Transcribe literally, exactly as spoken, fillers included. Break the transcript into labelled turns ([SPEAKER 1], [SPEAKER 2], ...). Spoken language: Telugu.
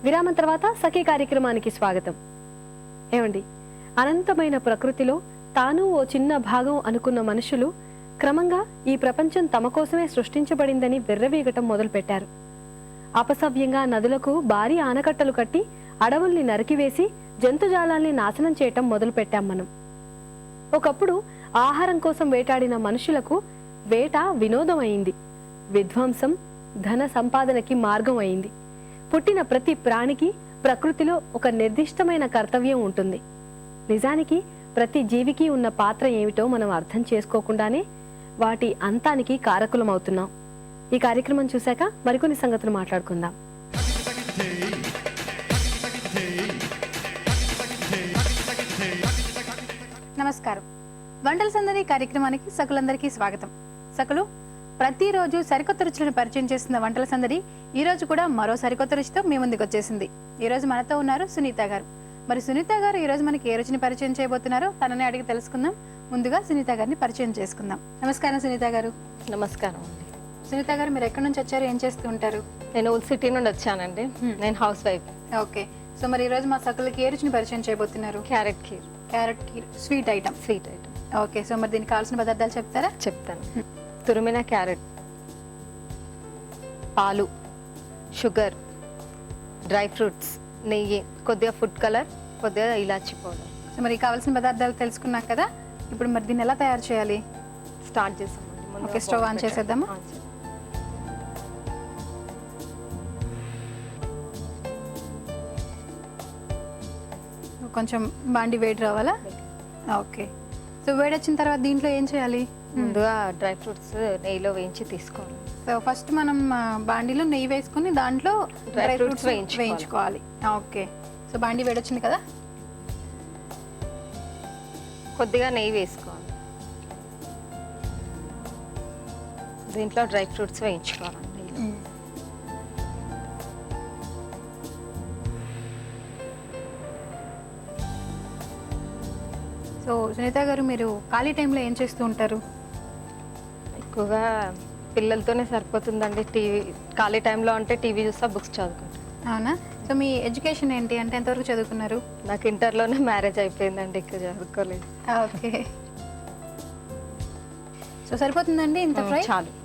[SPEAKER 1] విరామం తర్వాత సఖీ కార్యక్రమానికి స్వాగతం. ఏమండి, అనంతమైన ప్రకృతిలో తాను ఓ చిన్న భాగం అనుకున్న మనుషులు క్రమంగా ఈ ప్రపంచం తమ కోసమే సృష్టించబడిందని వెర్రవీగటం మొదలుపెట్టారు. అపసవ్యంగా నదులకు భారీ ఆనకట్టలు కట్టి అడవుల్ని నరికివేసి జంతుజాలాల్ని నాశనం చేయటం మొదలుపెట్టాం మనం. ఒకప్పుడు ఆహారం కోసం వేటాడిన మనుషులకు వేట వినోదం అయింది, విధ్వంసం ధన సంపాదనకి మార్గం అయింది. పుట్టిన ప్రతి ప్రాణికి ప్రకృతిలో ఒక నిర్దిష్టమైన కర్తవ్యం ఉంటుంది. నిజానికి ప్రతి జీవికి ఉన్న పాత్ర ఏమిటో మనం అర్థం చేసుకోకుండానే వాటి అంతానికి కారకులమవుతున్నాం. ఈ కార్యక్రమం చూశాక మరికొన్ని సంగతులు మాట్లాడుకుందాం.
[SPEAKER 2] నమస్కారం. వంటల సందడి కార్యక్రమానికి సకులందరికీ స్వాగతం. సకులు, ప్రతిరోజు సరికొత్త రుచులను పరిచయం చేస్తున్న వంటల సందడి ఈ రోజు కూడా మరో సరికొత్త రుచితో మీ ముందుకు వచ్చేసింది. ఈ రోజు మనతో ఉన్నారు సునీత గారు. మరి సునీత గారు ఈ రోజు మనకి ఏ రుచిని పరిచయం చేయబోతున్నారో తనని అడిగి తెలుసుకుందాం. ముందుగా సునీత గారిని పరిచయం చేసుకుందాం. నమస్కారం సునీత గారు.
[SPEAKER 3] నమస్కారం.
[SPEAKER 2] సునీత గారు, మీరు ఎక్కడి నుంచి వచ్చారు, ఏం చేస్తూ ఉంటారు?
[SPEAKER 3] నేను ఓల్డ్ సిటీ నుండి వచ్చానండి. నేను హౌస్ వైఫ్.
[SPEAKER 2] ఓకే. సో మరి ఈ రోజు మా సకులకి ఏ రుచిని పరిచయం చేయబోతున్నారు?
[SPEAKER 3] Carrot kheer.
[SPEAKER 2] Carrot kheer sweet item.
[SPEAKER 3] Sweet item.
[SPEAKER 2] Okay. So మరి దీనికి కావాల్సిన పదార్థాలు చెప్తారా?
[SPEAKER 3] చెప్తాను. తురిమిన క్యారెట్, పాలు, షుగర్, డ్రై ఫ్రూట్స్, నెయ్యి, కొద్దిగా ఫుడ్ కలర్, కొద్దిగా ఇలాచి పౌడర్.
[SPEAKER 2] సో మరి కావాల్సిన పదార్థాలు తెలుసుకున్నాం కదా, ఇప్పుడు మరి దీన్ని ఎలా తయారు చేయాలి?
[SPEAKER 3] స్టార్ట్ చేసామండి.
[SPEAKER 2] ఓకే, స్టవ్ ఆన్ చేసేద్దామా? కొంచెం బాండి వేడి రావాలా? ఓకే. సో వేడి వచ్చిన తర్వాత దీంట్లో ఏం చేయాలి?
[SPEAKER 3] ముందుగా డ్రై ఫ్రూట్స్ నెయ్యిలో వేయించి తీసుకోవాలి.
[SPEAKER 2] సో ఫస్ట్ మనం బాండీలో నెయ్యి వేసుకుని దాంట్లో డ్రై ఫ్రూట్స్ వేయించుకోవాలి. ఓకే. సో బాండీ వేడి వచ్చింది కదా,
[SPEAKER 3] కొద్దిగా నెయ్యి వేసుకోవాలి. దీంట్లో డ్రై ఫ్రూట్స్ వేయించుకోవాలండి.
[SPEAKER 2] సో సునీత గారు, మీరు ఖాళీ టైంలో ఏం చేస్తూ ఉంటారు?
[SPEAKER 3] ఎక్కువగా పిల్లలతోనే సరిపోతుందండి. టీవీ ఖాళీ టైంలో అంటే టీవీ చూస్తా, బుక్స్ చదువుకుంటాను.
[SPEAKER 2] అవునా? సో మీ ఎడ్యుకేషన్ ఏంటి, అంటే ఎంతవరకు చదువుకున్నారు?
[SPEAKER 3] నాకు ఇంటర్లోనే మ్యారేజ్ అయిపోయిందండి, ఇక్కడ చదువుకోలేదు.
[SPEAKER 2] ఓకే. సో సరిపోతుందండి ఇంత ఫ్రై?
[SPEAKER 3] చాలు.